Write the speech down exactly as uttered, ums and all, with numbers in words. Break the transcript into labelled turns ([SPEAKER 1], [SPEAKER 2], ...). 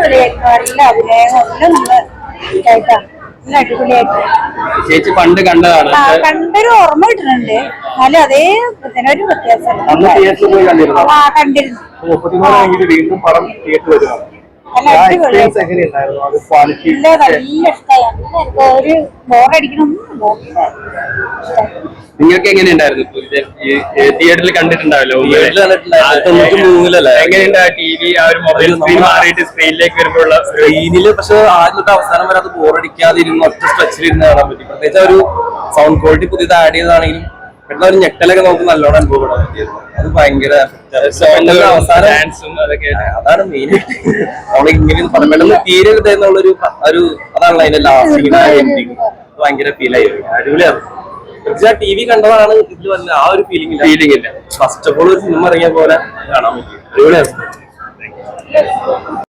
[SPEAKER 1] അടിപൊളിയായിരുന്നു. നല്ല അഭിനയം എല്ലാം നമ്മള് കേട്ടാണ്. നല്ല അടിപൊളിയായിട്ട്.
[SPEAKER 2] ചേച്ചി പണ്ട് കണ്ടതാണ്.
[SPEAKER 1] കണ്ടൊരു ഓർമ്മ കിട്ടുന്നുണ്ട്. എന്നാലും അതേ ഒരു വ്യത്യാസം. ആ കണ്ടിരുന്നു.
[SPEAKER 3] വീണ്ടും പടം തിയേറ്റർ വരുന്നത്
[SPEAKER 1] നല്ല ഇഷ്ടമായി. ഒരു ബോറടിക്കണമൊന്നും നോക്കില്ല.
[SPEAKER 2] നിങ്ങൾക്ക് എങ്ങനെയുണ്ടായിരുന്നു? തിയേറ്ററിൽ കണ്ടിട്ടുണ്ടാവല്ലോ. എങ്ങനെയുണ്ടാ ടി വി ആ ഒരു മൊബൈൽ സ്ക്രീൻ മാറിയിട്ട് സ്ക്രീനിലേക്ക് വരുമ്പോഴുള്ള
[SPEAKER 4] സ്ക്രീനില്? പക്ഷെ ആദ്യം തൊട്ട് അവസാനം വരെ അത് ബോറടിക്കാതിരുന്നു ഒറ്റ സ്ട്രെച്ചിലിരുന്ന് കാണാൻ പറ്റി. പ്രത്യേകിച്ച് ഒരു സൗണ്ട് ക്വാളിറ്റി പുതിയത് ആഡ് ചെയ്തതാണെങ്കിലും പെട്ടെന്ന് ഒരു ഞെട്ടലൊക്കെ നമുക്ക് നല്ലോണം അനുഭവപ്പെടാൻ പറ്റിയിരുന്നു. അത് ഭയങ്കര അവസാനം അതാണ് മെയിൻ ആയിട്ട് നമ്മൾ ഇങ്ങനെ പെട്ടെന്ന് തീരരുത് എന്നുള്ളൊരു ഒരു അതാണല്ലോ അതിന്റെ ലാസ്റ്റ് ഭയങ്കര ഫീൽ ആയി. അടിപൊളിയാണ്. പക്ഷെ ആ ടി വി കണ്ടതാണ് ഇതിൽ വല്ല ആ ഒരു ഫീലിംഗ് ഫീലിംഗ് ഇല്ല. ഫസ്റ്റ് ഓഫ് ഓൾ ഒരു സിനിമ ഇറങ്ങിയ പോലെ കാണാൻ പറ്റും. അടിപൊളിയാണ്.